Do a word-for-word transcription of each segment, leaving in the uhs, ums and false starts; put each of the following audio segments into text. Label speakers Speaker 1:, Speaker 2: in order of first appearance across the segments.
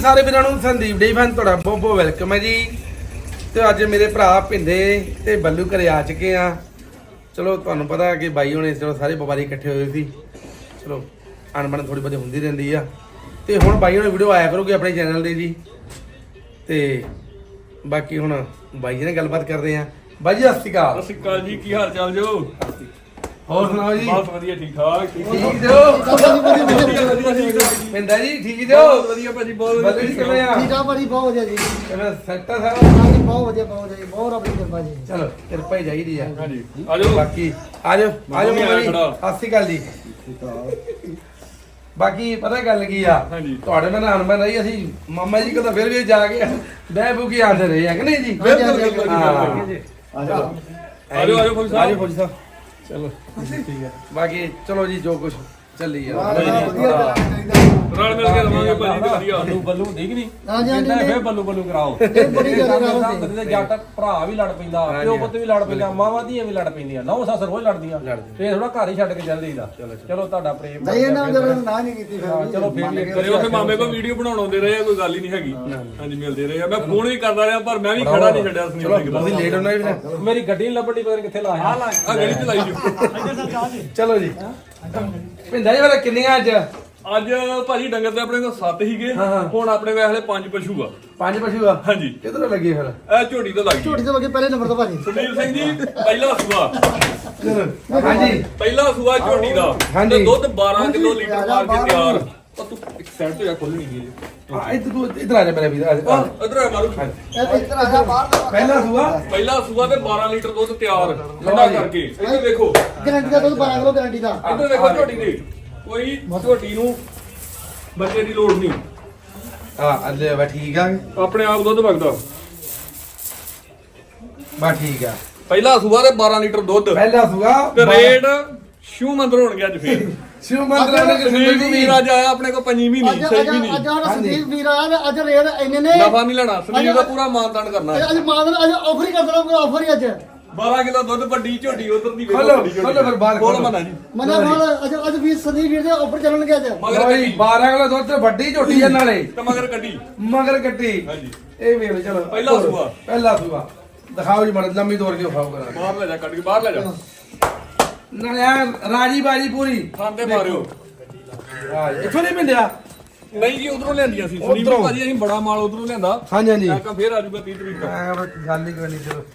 Speaker 1: ਸਾਰੇ ਵੀਰਾਂ ਨੂੰ ਸੰਦੀਪ ਡੇਰੀ ਫਾਰਮ ਤੁਹਾਡਾ ਬਹੁਤ ਬਹੁਤ ਵੈਲਕਮ ਹੈ ਜੀ। ਤੇ ਅੱਜ ਮੇਰੇ ਭਰਾ ਭਿੰਦੇ ਤੇ ਬੱਲੂ ਘਰੇ ਆ ਚੁੱਕੇ ਆ। ਚਲੋ ਤੁਹਾਨੂੰ ਪਤਾ ਕਿ ਬਾਈ ਹੋਣੇ ਚਲੋ ਸਾਰੇ ਵਪਾਰੀ ਇਕੱਠੇ ਹੋਏ ਸੀ। ਚਲੋ ਅਣਬਣ ਥੋੜੀ ਬਹੁਤੀ ਹੁੰਦੀ ਰਹਿੰਦੀ ਆ। ਤੇ ਹੁਣ ਬਾਈ ਹੋਣੇ ਵੀਡੀਓ ਆਇਆ ਕਰੋਗੇ ਆਪਣੇ ਚੈਨਲ ਦੇ ਜੀ। ਤੇ ਬਾਕੀ ਹੁਣ ਬਾਈ ਜੀ ਨਾਲ ਗੱਲਬਾਤ ਕਰਦੇ ਆ। ਬਾਈ ਜੀ ਸਤਿ ਸ਼੍ਰੀ ਅਕਾਲ।
Speaker 2: ਸਤਿ ਸ਼੍ਰੀ ਅਕਾਲ ਜੀ, ਕੀ ਹਾਲ ਚਾਲ ਜੋ?
Speaker 1: ਹੋਰ ਸੁਣਾਓ ਜੀ?
Speaker 2: ਬਹੁਤ ਵਧੀਆ, ਠੀਕ ਠਾਕ।
Speaker 1: ਠੀਕ ਜੋ ਪਿੰਦਾ ਜੀ? ਠੀਕ ਜੋ?
Speaker 2: ਬਹੁਤ ਵਧੀਆ ਭਾਜੀ, ਬਹੁਤ ਵਧੀਆ।
Speaker 1: ਬੱਲੂ ਜੀ ਕਿਵੇਂ ਆ?
Speaker 3: ਠੀਕ ਆ ਭਾਜੀ, ਬਹੁਤ ਵਧੀਆ ਜੀ।
Speaker 1: ਕਿਵੇਂ ਸੈੱਟ ਆ ਸਾਰਾ?
Speaker 3: ਹਾਂਜੀ ਬਹੁਤ ਵਧੀਆ, ਬਹੁਤ ਵਧੀਆ ਜੀ, ਬਹੁਤ ਆਪਣੀ ਕਿਰਪਾ ਜੀ।
Speaker 1: ਚਲੋ ਕਿਰਪਾ ਹੀ ਚਾਹੀਦੀ ਆ।
Speaker 2: ਹਾਂਜੀ ਆ ਜਾਓ।
Speaker 1: ਬਾਕੀ ਆ ਜਾਓ ਆ ਜਾਓ ਮਾਮਾ ਜੀ,
Speaker 2: ਖੜਾ।
Speaker 1: ਸਤਿ ਸ਼੍ਰੀ ਅਕਾਲ ਜੀ। ਬਾਕੀ ਪਤਾ ਗੱਲ ਕੀ ਆ,
Speaker 2: ਹਾਂਜੀ।
Speaker 1: ਤੁਹਾਡੇ ਨਾਲ ਅਣਬਣ ਰਹੀ, ਅਸੀਂ ਮਾਮਾ ਜੀ ਕੋਲ ਤਾਂ ਫਿਰ ਵੀ ਜਾ ਕੇ ਬਹਿ ਬੂ ਕੇ ਆਂਦੇ ਰਹੇ ਆ ਕਿ ਨਹੀਂ ਜੀ?
Speaker 2: ਬਿਲਕੁਲ ਬਿਲਕੁਲ
Speaker 1: ਹਾਂ।
Speaker 2: ਜੀ। ਆ ਜਾਓ ਆ ਜਾਓ ਫੌਜੀ ਸਾਹਿਬ।
Speaker 1: ਆਜੋ ਫੌਜੀ ਸਾਹਿਬ। ਚਲੋ ਠੀਕ ਹੈ। ਬਾਕੀ ਚਲੋ ਜੀ ਜੋ ਕੁਝ ਚੱਲੀ ਆ
Speaker 2: ਰਲ ਮਿਲ ਕੇ ਰਵਾਂਗੇ ਭਾਜੀ ਤੇ ਵਧੀਆ।
Speaker 4: ਬੱਲੂ ਬੱਲੂ ਠੀਕ ਨਹੀਂ?
Speaker 3: ਹਾਂਜੀ ਹਾਂਜੀ
Speaker 4: ਕਹਿੰਦਾ ਫੇਰ
Speaker 3: ਨਹੀਂ,
Speaker 4: ਬੱਲੂ ਬੱਲੂ ਕਰਾਓ।
Speaker 3: ਇਹ ਬੜੀ ਗੱਲ ਕਰਾਓ
Speaker 4: ਬੰਦੇ ਦੇ ਜੱਟ ਭਰਾ ਵੀ ਲੜ ਪੈਂਦਾ, ਪਿਓ ਪੁੱਤ ਵੀ ਲੜ ਪੈਂਦਾ, ਮਾਵਾਂ ਧੀਆਂ ਵੀ ਲੜ ਪੈਂਦੀਆਂ, ਨੌ ਸੱਸ ਰੋਜ਼ ਲੜਦੀਆਂ। ਫੇਰ ਥੋੜਾ ਘਰ ਹੀ ਛੱਡ ਕੇ ਚੱਲ ਜਾਈਦਾ। ਚਲੋ ਤੁਹਾਡਾ ਪ੍ਰੇਮ
Speaker 3: ਨਹੀਂ ਇਹਨਾਂ ਨੇ ਨਾ ਨਹੀਂ ਕੀਤੀ ਫਿਰ
Speaker 4: ਹਾਂ, ਚਲੋ ਫੇਰ ਵੀ
Speaker 2: ਕਰੇ ਉੱਥੇ ਮਾਮੇ ਕੋਲ ਵੀਡੀਓ ਬਣਾਉਣ ਆਉਂਦੇ ਰਹੇ ਆ, ਕੋਈ ਗੱਲ ਹੀ ਨਹੀਂ ਹੈਗੀ। ਹਾਂਜੀ ਮਿਲਦੇ ਰਹੇ ਆ। ਮੈਂ ਫੋਨ ਵੀ ਕਰਦਾ ਰਿਹਾ ਪਰ ਮੈਂ ਵੀ ਖੜਾ ਨਹੀਂ ਛੱਡਿਆ ਸੁਨੀਲ ਸਿੰਘ ਦਾ।
Speaker 1: ਤੁਸੀਂ ਲੇਟ ਹੋਣਾ ਵੀ ਨਾ।
Speaker 4: ਮੇਰੀ ਗੱਡੀ ਨੀ ਲੱਭਣੀ, ਪਤਾ ਨੀ ਕਿੱਥੇ ਲਾਇਆ।
Speaker 2: ਆ ਗਲੀ ਚ ਲਾਈ ਜੋ।
Speaker 1: ਚਲੋ ਜੀ ਭਿੰਦਾ ਜੀ ਵਾਲਾ ਕਿੰਨੀਆਂ ਅੱਜ?
Speaker 2: ਅੱਜ ਭਾਜੀ ਡੰਗਰ ਤੇ ਆਪਣੇ ਕੋਲ ਸੱਤ ਹੀਗੇ, ਹੁਣ ਆਪਣੇ ਕੋਲ ਹਲੇ ਪੰਜ ਪਸ਼ੂ ਆ।
Speaker 1: ਪੰਜ ਪਸ਼ੂ ਆ?
Speaker 2: ਹਾਂਜੀ।
Speaker 1: ਕਿਧਰੋਂ ਲੱਗੇ ਫਿਰ?
Speaker 2: ਇਹ ਝੋਟੀ ਤੋਂ ਲੱਗ ਗਈ।
Speaker 3: ਝੋਟੀ ਤੋਂ ਲੱਗੇ ਪਹਿਲੇ ਨੰਬਰ ਤੋਂ ਭਾਜੀ।
Speaker 2: ਸੁਨੀਲ ਸਿੰਘ ਜੀ ਪਹਿਲਾ ਸੂਆ,
Speaker 1: ਹਾਂਜੀ
Speaker 2: ਪਹਿਲਾ ਸੂਆ ਝੋਟੀ ਦਾ।
Speaker 1: ਹਾਂਜੀ।
Speaker 2: ਤੇ ਦੁੱਧ ਬਾਰਾਂ ਕਿਲੋ ਲੀਟਰ ਮਾਰ ਕੇ ਤਿਆਰ। ਉਹ ਤੂੰ ਇੱਕ ਸਾਈਡ ਤੋਂ ਜਾ ਖੋਲਣੀ ਨਹੀਂ
Speaker 1: ਆ ਇੱਧਰ ਤੂੰ ਇੱਧਰ ਆ ਜਾ ਮੇਰੇ ਵੀਰ। ਆ ਜਾ।
Speaker 2: ਇਧਰ ਆ ਮਾਰੂ।
Speaker 3: ਇਹ ਇਸ ਤਰ੍ਹਾਂ ਆ ਬਾਹਰ ਦਾ
Speaker 1: ਪਹਿਲਾ ਸੂਆ
Speaker 2: ਪਹਿਲਾ ਸੂਆ ਤੇ ਬਾਰਾਂ ਲੀਟਰ ਦੁੱਧ ਤਿਆਰ ਠੰਡਾ ਕਰਕੇ। ਇੱਧਰ ਵੇਖੋ,
Speaker 3: ਗਰੰਟੀ ਦਾ ਦੁੱਧ ਬਾਰਾਂ ਕਿਲੋ ਗਰੰਟੀ ਦਾ।
Speaker 2: ਇੱਧਰ ਵੇਖੋ ਝੋਟੀ ਦੇ। ਕੋਈ ਝੋਟੀ ਨੂੰ ਬੱਚੇ ਦੀ ਲੋੜ ਨਹੀਂ,
Speaker 1: ਆ ਅੱਲੇ ਵਾ ਠੀਕ ਆ।
Speaker 2: ਆਪਣੇ ਆਪ ਦੁੱਧ ਵਗਦਾ।
Speaker 1: ਬਾ ਠੀਕ ਆ।
Speaker 2: ਪਹਿਲਾ ਸੂਆ ਤੇ ਬਾਰਾਂ ਲੀਟਰ ਦੁੱਧ
Speaker 1: ਪਹਿਲਾ ਸੂਆ
Speaker 2: ਤੇ ਰੇਟ ਸ਼ੂ ਮੰਦਰ ਹੋਣਗੇ ਅੱਜ ਫੇਰ।
Speaker 1: ਸ਼ਿਵ ਮੰਦਰ ਨੇ
Speaker 2: ਸੰਦੀਪ ਵੀਰ ਅੱਜ ਆਇਆ ਆਪਣੇ ਕੋਲ ਪੰਜੀ ਵੀ
Speaker 3: ਅੱਜ
Speaker 2: ਨਹੀਂ,
Speaker 3: ਅੱਜ
Speaker 2: ਸਹੀ ਵੀ
Speaker 3: ਅੱਜ
Speaker 2: ਨਹੀਂ।
Speaker 3: ਆਹ ਸੰਦੀਪ ਵੀਰ ਆਇਆ ਤੇ ਅੱਜ ਰੇਟ ਇੰਨੇ ਨੇ।
Speaker 2: ਨਫਾ ਨਹੀਂ ਲੈਣਾ, ਸੰਦੀਪ ਦਾ ਪੂਰਾ ਮਾਨਦਾਨ ਕਰਨਾ ਹੈ।
Speaker 3: ਅੱਜ ਮਾਨ ਅੱਜ ਆਫਰ ਹੀ ਕਰ ਦੇਣਾ, ਕੋਈ ਆਫਰ ਹੀ ਅੱਜ।
Speaker 2: ਬਾਰਾਂ ਕਿਲੋ ਦੁੱਧ ਵੱਡੀ ਝੋਟੀ ਉਧਰ ਦੀ ਵੇਖੋ।
Speaker 1: ਖੋਲੋ,
Speaker 2: ਵੱਡੀ ਝੋਟੀ।
Speaker 1: ਖੋਲੋ ਫਿਰ ਬਾਹਰ
Speaker 2: ਖੋਲ
Speaker 1: ਖੋਲੋ।
Speaker 2: ਮਨਾ ਜੀ।
Speaker 3: ਮਨਾ ਮਾਲ ਅੱਜ ਅੱਜ ਵੀ ਸੰਦੀਪ ਵੀਰ ਦੇ ਆਫਰ ਚੱਲਣਗੇ ਅੱਜ।
Speaker 2: ਮਗਰ
Speaker 1: ਕੋਈ
Speaker 2: ਕੱਟੀ
Speaker 1: ਬਾਰਾਂ ਕਿਲੋ ਦੁੱਧ ਤੇ ਵੱਡੀ ਝੋਟੀ ਆ ਨਾਲੇ
Speaker 2: ਤੇ ਮਗਰ ਕੱਟੀ।
Speaker 1: ਮਗਰ ਕੱਟੀ।
Speaker 2: ਹਾਂਜੀ।
Speaker 1: ਇਹ ਵੇਖ ਲਓ। ਚਲੋ
Speaker 2: ਪਹਿਲਾ ਸੂਆ।
Speaker 1: ਪਹਿਲਾ ਸੂਆ ਦਿਖਾਓ ਜੀ ਮੜ ਲੰਮੀ ਤੋੜ ਕੇ ਖਾਓ ਕਰਾਂ।
Speaker 2: ਬਾਹਰ ਲੈ ਜਾ, ਕੱਢ ਕੇ ਬਾਹਰ ਲੈ ਜਾ।
Speaker 1: ਨਾਲੇ ਆ ਰਾਜੀ ਬਾਜੀ ਪੂਰੀ
Speaker 2: ਖਾਂਦੇ ਮਾਰਿਓ।
Speaker 1: ਰਾਜ ਇੱਥੋਂ ਨਹੀਂ ਮਿਲਿਆ।
Speaker 2: ਨਹੀਂ ਜੀ ਉਧਰੋਂ ਲਿਆਂਦੀਆਂ ਸੀ ਸੰਦੀਪ
Speaker 1: ਉੱਧਰੋਂ।
Speaker 2: ਭਾਜੀ, ਅਸੀਂ ਬੜਾ ਮਾਲ ਉਧਰੋਂ ਲਿਆਂਦਾ।
Speaker 1: ਹਾਂਜੀ ਹਾਂਜੀ
Speaker 2: ਮੈਂ ਕਿਹਾ ਫੇਰ ਆ ਜਾਊਗਾ ਤੀਹ ਤਰੀਕ ਤੱਕ।
Speaker 1: ਮੈਂ ਬਸ ਗੱਲ ਹੀ ਕਰਨੀ। ਚਲੋ